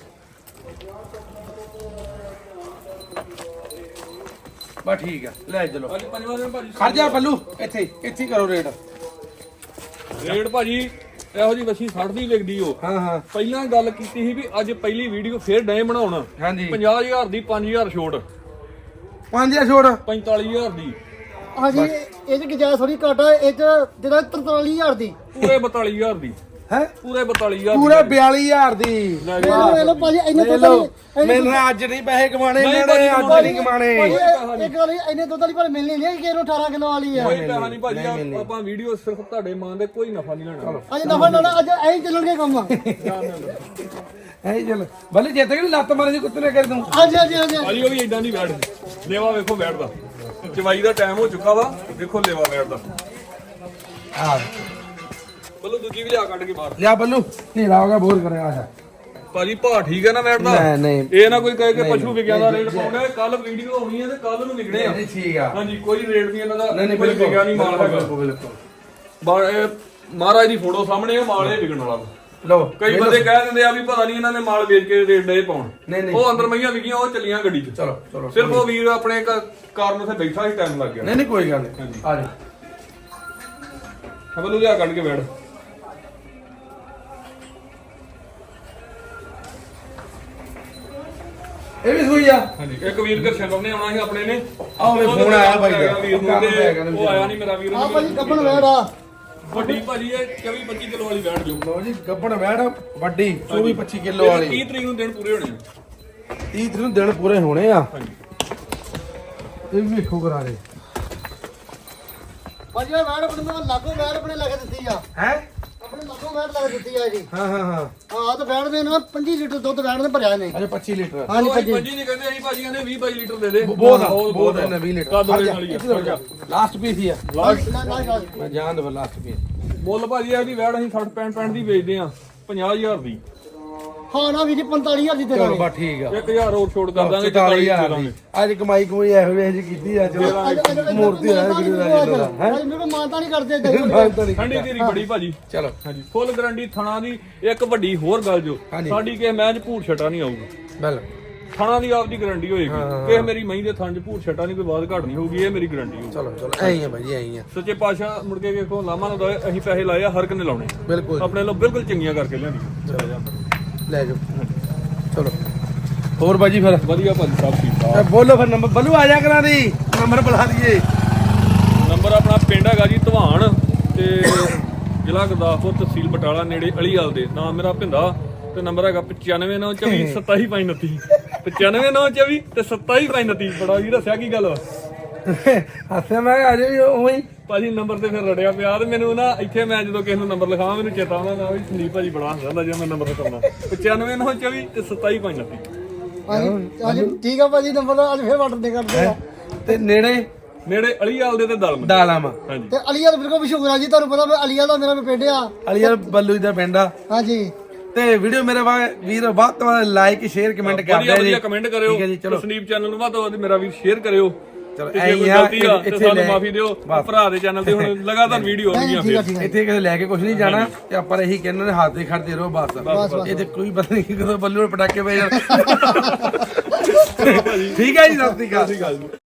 Speaker 1: ਬਸ ਠੀਕ ਆ ਲੈ ਚਲੋ
Speaker 2: ਭਾਜੀ ਪੰਜਵਾਂ ਦਿਨ ਭਾਜੀ
Speaker 1: ਖੜ ਜਾ ਬੱਲੂ ਇੱਥੇ ਇੱਥੇ ਹੀ ਕਰੋ ਰੇਟ
Speaker 2: ਰੇਟ ਭਾਜੀ ਇਹੋ ਜੀ ਵੱਛੀ ਸੱਠ ਦੀ ਵਿਕਦੀ ਉਹ
Speaker 1: ਹਾਂ ਹਾਂ
Speaker 2: ਪਹਿਲਾਂ ਗੱਲ ਕੀਤੀ ਸੀ ਵੀ ਅੱਜ ਪਹਿਲੀ ਵੀਡੀਓ ਫੇਰ ਡਏ ਬਣਾਉਣਾ
Speaker 1: ਹਾਂਜੀ
Speaker 2: ਪੰਜਾਹ ਹਜ਼ਾਰ ਦੀ ਪੰਜ ਹਜ਼ਾਰ ਛੋਟ
Speaker 1: ਪੰਜ ਆ ਛੋੜ
Speaker 2: ਪੰਤਾਲੀ ਹਜ਼ਾਰ ਦੀ
Speaker 3: ਹਾਂਜੀ ਇਹ ਚ ਗੁਜਾਇਸ਼ ਥੋੜੀ ਘੱਟ ਆ ਇਹ ਚ ਜਿਹੜਾ ਤਰਤਾਲੀ ਹਜ਼ਾਰ ਦੀ
Speaker 2: ਪੂਰੇ ਬਤਾਲੀ ਹਜ਼ਾਰ ਦੀ
Speaker 1: ਹੈ
Speaker 2: ਪੂਰੇ ਬਤਾਲੀ ਹਜ਼ਾਰ
Speaker 1: ਪੂਰੇ ਬਿਆਲੀ ਹਜ਼ਾਰ ਦੀ
Speaker 3: ਇਹ ਲੋ ਇਹ ਲੋ ਭਾਜੀ ਇੰਨੇ
Speaker 1: ਲੈ
Speaker 3: ਦੁੱਧ
Speaker 1: ਲਓ
Speaker 3: ਵਾਲੀ
Speaker 1: ਮੈਨੂੰ ਅੱਜ ਨਹੀਂ ਪੈਸੇ ਕਮਾਣੇ
Speaker 2: ਨਹੀਂ
Speaker 1: ਇਹਨਾਂ ਨੇ ਅੱਜ
Speaker 2: ਭਾਜੀ,
Speaker 1: ਨਹੀਂ ਕਮਾਣੇ
Speaker 3: ਭਾਜੀ ਇਹ- ਇੱਕ ਗੱਲ ਇੰਨੇ ਦੁੱਧ ਵਾਲੀ ਪਰ ਮਿਲਣੀ ਨਹੀਂ ਕਿ ਇਹਨੂੰ ਅਠਾਰਾਂ ਕਿਲੋ ਵਾਲੀ ਆ
Speaker 2: ਕੋਈ ਪੈਸਾ ਨਹੀਂ ਭਾਜੀ ਆਪ- ਆਪਾਂ ਵੀਡੀਓ ਸਿਰਫ ਤੁਹਾਡੇ ਮਾਂ ਦੇ ਕੋਈ ਨਫਾ ਨਹੀਂ ਲੈਣਾ
Speaker 3: ਅੱਜ ਨਫਾ ਨਾ ਅੱਜ ਐਂ ਹੀ ਚੱਲਣਗੇ ਕੰਮ
Speaker 1: ਐ ਚੱਲ ਬੱਲੇ ਜਿੱਤ ਕੇ ਲੱਤ ਮਾਰੇ ਜੀ ਕੁੱਤੇ ਨੇ ਕਰ ਦੂੰ
Speaker 3: ਹਾਂਜੀ ਹਾਂਜੀ ਹਾਂਜੀ
Speaker 2: ਭਾਜੀ ਉਹ ਵੀ ਇਦਾਂ ਦੀ ਬੈਠ ਲੇਵਾ ਵੇਖੋ ਬੈਠਦਾ ਚਵਾਈ ਦਾ ਟਾਈਮ ਹੋ ਚੁੱਕਾ ਵਾ ਦੇਖੋ ਲੇਵਾ ਬੈਠਦਾ
Speaker 1: ਆ
Speaker 2: ਬੱਲੂ ਦੂਜੀ ਵੀ ਲਿਆ ਕੱਢ ਕੇ ਬਾਹਰ
Speaker 1: ਲਿਆ ਬੱਲੂ ਨੀਲਾ ਹੋ ਗਿਆ ਬੋਰ ਕਰਿਆ ਆ ਜਾ
Speaker 2: ਭਾਜੀ ਭਾਅ ਠੀਕ ਹੈ ਨਾ ਬੈਠਦਾ
Speaker 1: ਨਹੀਂ ਨਹੀਂ
Speaker 2: ਇਹ ਨਾ ਕੋਈ ਕਹੇ ਕਿ ਪਸ਼ੂ ਵਿਗਿਆ ਦਾ ਰੇਟ ਪਾਉਣਾ ਕੱਲ ਵੀਡੀਓ ਆਉਣੀ ਹੈ ਤੇ ਕੱਲ ਨੂੰ ਵਿਕਣੇ ਆ
Speaker 1: ਨਹੀਂ ਠੀਕ ਆ
Speaker 2: ਹਾਂਜੀ ਕੋਈ ਰੇਟ ਨਹੀਂ ਇਹਨਾਂ ਦਾ
Speaker 1: ਨਹੀਂ ਨਹੀਂ
Speaker 2: ਕੋਈ
Speaker 1: ਬਿਲਕੁਲ
Speaker 2: ਵਿਗਿਆ ਨਹੀਂ ਮਾਲ ਹੈਗਾ
Speaker 1: ਬਿਲਕੁਲ ਬਿਲਕੁਲ
Speaker 2: ਬਾ- ਇਹ ਮਹਾਰਾਜ ਦੀ ਫੋਟੋ ਸਾਹਮਣੇ ਆ ਮਾਲ ਇਹ ਵਿਕਣ ਵਾਲਾ ਵਾ।
Speaker 1: ਲਓ
Speaker 2: ਕਈ ਬੰਦੇ ਕਹਿ ਦਿੰਦੇ ਆ ਵੀ ਪਤਾ ਨਹੀਂ ਇਹਨਾਂ ਨੇ ਮਾਲ ਵੇਚ ਕੇ ਰੇਟ ਦੇ ਪਾਉਣ
Speaker 1: ਨਹੀਂ ਨਹੀਂ
Speaker 2: ਉਹ ਅੰਦਰ ਮਈਆਂ ਵਿਕੀਆਂ ਉਹ ਚੱਲੀਆਂ ਗੱਡੀ 'ਚ
Speaker 1: ਚਲੋ ਚਲੋ
Speaker 2: ਸਿਰਫ ਉਹ ਵੀਰ ਆਪਣੇ ਕ- ਕਾਰਨ ਉੱਥੇ ਬੈਠਾ ਸੀ ਟਾਈਮ ਲੱਗ ਗਿਆ
Speaker 1: ਨਹੀਂ ਨਹੀਂ ਕੋਈ ਗੱਲ ਨਹੀਂ ਆ ਜਾ
Speaker 2: ਹਬਲੂ ਲਿਆ ਕੱਢ ਕੇ ਬੈਠ
Speaker 1: ਇਹ ਵੀ ਸੂਈ ਆ
Speaker 2: ਹਾਂਜੀ ਇੱਕ ਵੀਰ ਗੁਰਸ਼ਰਨ ਨੇ ਆਉਣਾ ਸੀ ਆਪਣੇ ਨੇ
Speaker 1: ਆਹ ਵੇ ਫੋਨ ਆਇਆ ਭਾਈ ਦਾ
Speaker 2: ਵੀਰ ਨੂੰ ਤੇ ਉਹ ਆਇਆ ਨਹੀਂ ਮੇਰਾ ਵੀਰ
Speaker 3: ਆ ਭਾਜੀ ਕੱਪਣ ਵੈੜ ਆ
Speaker 2: ਵੱਡੀ ਭਾਜੀ ਇਹ ਚੌਵੀ ਪੱਚੀ ਕਿਲੋ ਵਾਲੀ ਬੈਠ ਜੋ
Speaker 1: ਲਓ ਜੀ ਗੱਬਣ ਵੈੜ ਵੱਡੀ ਚੌਵੀ ਪੱਚੀ ਕਿਲੋ ਵਾਲੀ
Speaker 2: ਤੀਹ ਤਰੀਕ ਨੂੰ ਦਿਨ ਪੂਰੇ ਹੋਣੇ ਆ।
Speaker 1: ਤੀਹ ਤਰੀਕ ਨੂੰ ਦਿਨ ਪੂਰੇ ਹੋਣੇ ਆ
Speaker 2: ਹਾਂਜੀ
Speaker 1: ਇਹ ਵੀ ਵੇਖੋ ਕਰਾ ਦੇ
Speaker 3: ਭਾਜੀ ਇਹ ਵੈੜ ਆਪਣੇ ਨਾਲ ਲਾਗੋ ਵੈੜ ਆਪਣੇ ਲੱਗ ਦਿੱਤੀ ਆ
Speaker 1: ਹੈ
Speaker 3: ਆਪਣੇ ਲਾਗੋ ਵੈੜ ਲੱਗ ਦਿੱਤੀ ਆ ਜੀ
Speaker 1: ਹਾਂ ਹਾਂ ਹਾਂ
Speaker 3: ਹਾਂ ਤੇ ਵੈੜ ਦੇ ਨਾਲ ਪੰਜੀ ਲੀਟਰ ਦੁੱਧ ਵੈੜ ਨੇ ਭਰਿਆ ਨੇ
Speaker 1: ਅਜੇ ਪੱਚੀ ਲੀਟਰ
Speaker 3: ਹਾਂਜੀ
Speaker 2: ਉਹ
Speaker 3: ਭਾਜੀ
Speaker 2: ਪੰਜੀ ਨਹੀਂ ਕਹਿੰਦੇ ਅਸੀਂ ਭਾਜੀ ਕਹਿੰਦੇ ਵੀਹ ਬਾਈ ਲੀਟਰ ਦੇ ਦੇ
Speaker 1: ਬਹੁਤ ਆ ਬਹੁਤ ਹੈ ਵੀਹ ਲੀਟਰ
Speaker 2: ਕਾ ਦੋ ਵਾਲੀ ਆ
Speaker 1: ਲਾਸਟ ਪੀਸ ਹੀ ਆ
Speaker 2: ਲਾਸਟ
Speaker 3: ਨਾ ਨਾ ਨਾ
Speaker 1: ਮੈਂ ਜਾਣ ਦੇ ਲਾਸਟ ਪੀਸ
Speaker 2: ਮੁੱਲ ਭਾਜੀ ਇਹਦੀ ਵੈੜ ਅਸੀਂ ਸੱਠ ਪੈਂਹਠ ਪੈਂਹਠ ਦੀ ਵੇਚਦੇ ਆ ਪੰਜਾਹ ਹਜ਼ਾਰ ਦੀ
Speaker 3: ਹਾਂ ਨਾ ਵੀ ਜੀ ਪੰਤਾਲੀ ਹਜ਼ਾਰ ਦੀ ਦੇ
Speaker 1: ਚਲੋ
Speaker 3: ਦਾਂਗੇ
Speaker 1: ਬਾ ਠੀਕ ਆ
Speaker 2: ਇੱਕ ਹਜ਼ਾਰ ਹੋਰ ਛੋੜ ਕਰ ਦਾਂਗੇ
Speaker 1: ਚੁਤਾਲੀ
Speaker 2: ਚੁਤਾਲੀ
Speaker 1: ਹਜ਼ਾਰ
Speaker 2: ਦੇ
Speaker 1: ਦੀ
Speaker 2: ਦਾਂਗੇ
Speaker 1: ਅੱਜ ਕਮਾਈ ਕਮਾਈ ਇਹੋ ਜਿਹੀ ਜੀ ਕੀਤੀ ਆ ਚਲੋ ਮੂਰਤੀ ਆ ਗੁਰੂ ਦਾ ਜੀ ਦਾ ਹੈ
Speaker 3: ਮੈਨੂੰ ਮਾਨਤਾ ਨਹੀਂ ਕਰਦੇ ਏਦਾਂ ਹੀ।
Speaker 1: ਮਾਨਤਾ ਨਹੀਂ
Speaker 2: ਠੰਡੀ ਤੇਰੀ ਬੜੀ ਭਾਜੀ
Speaker 1: ਚਲੋ
Speaker 2: ਹਾਂਜੀ ਫੁੱਲ ਗਰੰਟੀ ਥਣਾ ਦੀ ਇੱਕ ਵੱਡੀ ਹੋਰ ਗੱਲ ਜੋ
Speaker 1: ਹਾਂਜੀ।
Speaker 2: ਸਾਡੀ ਕਿਸੇ ਮੈਚ ਭੂਰ ਛਟਾ ਨਹੀਂ ਆਊਗਾ
Speaker 1: ਬਿਲ
Speaker 2: ਥਣਾ ਦੀ ਆਪਦੀ ਗਰੰਟੀ ਹੋਏਗੀ ਕਿਸੇ ਮੇਰੀ ਮਹੀਂ ਦੇ ਥਣ ਚ ਭੂਰ ਛਟਾ ਨਹੀਂ ਕੋਈ ਬਾਤ ਘਟ ਨਹੀਂ ਹੋਊਗੀ ਇਹ ਮੇਰੀ ਗਰੰਟੀ ਹੋਊਗੀ
Speaker 1: ਚਲੋ ਚਲੋ ਐਂ ਹੀ ਆ ਭਾਈ ਐਂ ਹੀ ਆ
Speaker 2: ਸੱਚੇ ਪਾਤਸ਼ਾਹ ਮੁੜ ਕੇ ਵੇਖੋ ਲਾਮਾ ਨਾ ਦਵੇ ਅਸੀਂ ਪੈਸੇ ਲਾਏ ਆ ਹਰ ਕਿਨੇ ਲਾਉਣੇ
Speaker 1: ਬਿਲਕੁਲ
Speaker 2: ਆਪਣੇ ਲੋ ਬਿਲਕੁਲ ਚੰਗੀਆਂ ਕਰਕੇ ਲਿਆਂਦੀ
Speaker 1: ਲੈ ਜਾਓ ਚਲੋ ਹੋਰ ਬਾਜੀ ਫਿਰ
Speaker 2: ਵਧੀਆ ਭਾਜੀ ਸਭ ਠੀਕ ਠਾਕ
Speaker 1: ਇਹ ਬੋਲੋ ਫਿਰ ਨੰਬਰ ਬੱਲੂ ਆ ਜਾ ਕਰਾਂ ਦੀ ਨੰਬਰ ਬੁਲਾ ਦਈਏ
Speaker 2: ਨੰਬਰ ਆਪਣਾ ਪਿੰਡ ਹੈਗਾ ਜੀ ਧਵਾਨ ਤੇ ਜ਼ਿਲ੍ਹਾ ਗੁਰਦਾਸਪੁਰ ਤਹਿਸੀਲ ਬਟਾਲਾ ਨੇੜੇ ਅਲੀਵਾਲ ਦੇ ਨਾਮ ਮੇਰਾ ਭਿੰਦਾ ਤੇ ਨੰਬਰ ਹੈਗਾ ਪਚਾਨਵੇਂ ਨੌ ਚੌਵੀ ਸਤਾਈ ਪੰਜ ਉਨੱਤੀ ਪਚਾਨਵੇਂ ਨੌ ਚੌਵੀ ਤੇ ਸਤਾਈ ਪੰਜ ਉਨੱਤੀ ਬੜਾ ਜੀ ਦੱਸਿਆ ਕੀ ਗੱਲ ਵਾ
Speaker 1: ਹੱਸੇ ਮੈਂ ਆ ਜਾਈ ਉਹੀ
Speaker 2: ਭਾਜੀ ਨੰਬਰ ਤੇ ਫਿਰ ਰੜਿਆ ਪਿਆ ਤੇ ਮੈਨੂੰ ਨਾ ਇੱਥੇ ਮੈਂ ਜਦੋਂ ਕਿਸੇ ਨੂੰ ਨੰਬਰ ਲਿਖਾਵਾਂ ਮੈਨੂੰ ਚੇਤਾ ਆਉਂਦਾ ਨਾ ਵੀ ਸੰਦੀਪ ਭਾਜੀ ਬੜਾ ਹੱਸਦਾ ਜਦੋਂ ਮੈਂ ਨੰਬਰ ਲਿਖਾਉਣਾ ਪਚਾਨਵੇਂ ਨੌ ਚੌਵੀ ਤੇ ਸਤਾਈ ਪੰਜ ਉਨੱਤੀ
Speaker 3: ਹਾਂਜੀ ਹਾਂਜੀ ਠੀਕ ਆ ਭਾਜੀ ਨੰਬਰ ਅੱਜ ਫੇਰ ਵਾਟਰ ਦੇ ਕਰਦੇ ਆ
Speaker 1: ਤੇ ਨੇੜੇ
Speaker 2: ਨੇੜੇ ਅਲੀਵਾਲ ਦੇ ਤੇ ਦਲਮ
Speaker 1: ਦਾਲਾਮਾ
Speaker 2: ਹਾਂਜੀ
Speaker 3: ਤੇ ਅਲੀਆ ਬਿਲਕੁਲ ਮਸ਼ਹੂਰ ਆ ਜੀ ਤੁਹਾਨੂੰ ਪਤਾ ਮੈਂ ਅਲੀਆ ਦਾ ਮੇਰਾ ਵੀ ਪਿੰਡ ਆ
Speaker 1: ਅਲੀਆ ਬੱਲੂ ਦਾ ਪਿੰਡ ਆ
Speaker 3: ਹਾਂਜੀ
Speaker 1: ਤੇ ਵੀਡੀਓ ਮੇਰੇ ਵਾ ਵੀਰ ਵੱਧ ਤੋਂ ਵੱਧ ਲਾਈਕ ਸ਼ੇਅਰ ਕਮੈਂਟ ਕਰ
Speaker 2: ਵਧੀਆ
Speaker 1: ਦਿਓ ਜੀ
Speaker 2: ਵਧੀਆ ਕਮੈਂਟ ਕਰਿਓ
Speaker 1: ਠੀਕ ਹੈ ਜੀ ਚਲੋ
Speaker 2: ਸੰਦੀਪ ਚੈਨਲ ਨੂੰ ਵੱਧ ਤੋਂ ਵੱਧ ਮੇਰਾ ਵੀਰ ਸ਼ੇਅਰ ਕਰਿਓ
Speaker 1: ਚਲੋ
Speaker 2: ਤੇ
Speaker 1: ਐਂ
Speaker 2: ਜੇ
Speaker 1: ਹੀ
Speaker 2: ਕੋਈ
Speaker 1: ਆ,
Speaker 2: ਗਲਤੀ ਆ ਤੇ
Speaker 1: ਇੱਥੇ
Speaker 2: ਸਾਨੂੰ
Speaker 1: ਲੈ-
Speaker 2: ਮਾਫੀ ਦਿਓ ਭਰਾ ਦੇ ਚੈਨਲ ਤੇ ਹੁਣ ਲਗਾਤਾਰ ਵੀਡੀਓ ਆਉਣਗੀਆਂ
Speaker 3: ਠੀਕ ਆ
Speaker 2: ਫਿਰ
Speaker 3: ਠੀਕ ਆ
Speaker 1: ਇੱਥੇ ਕਿਸੇ ਲੈ ਕੇ ਕੁਝ ਨਹੀਂ ਜਾਣਾ ਤੇ ਆਪਾਂ ਇਹੀ ਕਹਿੰਦੇ ਨੇ ਹੱਥ ਦੇ ਖੜਦੇ ਰਹੋ ਬਸ ਇਹ ਤੇ ਕੋਈ ਪਤਾ ਨਹੀਂ ਕਦੋਂ ਬੱਲੂ ਨੂੰ ਪਟਾਕੇ ਪੈ ਜਾਣ ਠੀਕ ਹੈ ਜੀ, ਸਤਿ ਸ਼੍ਰੀ ਅਕਾਲ।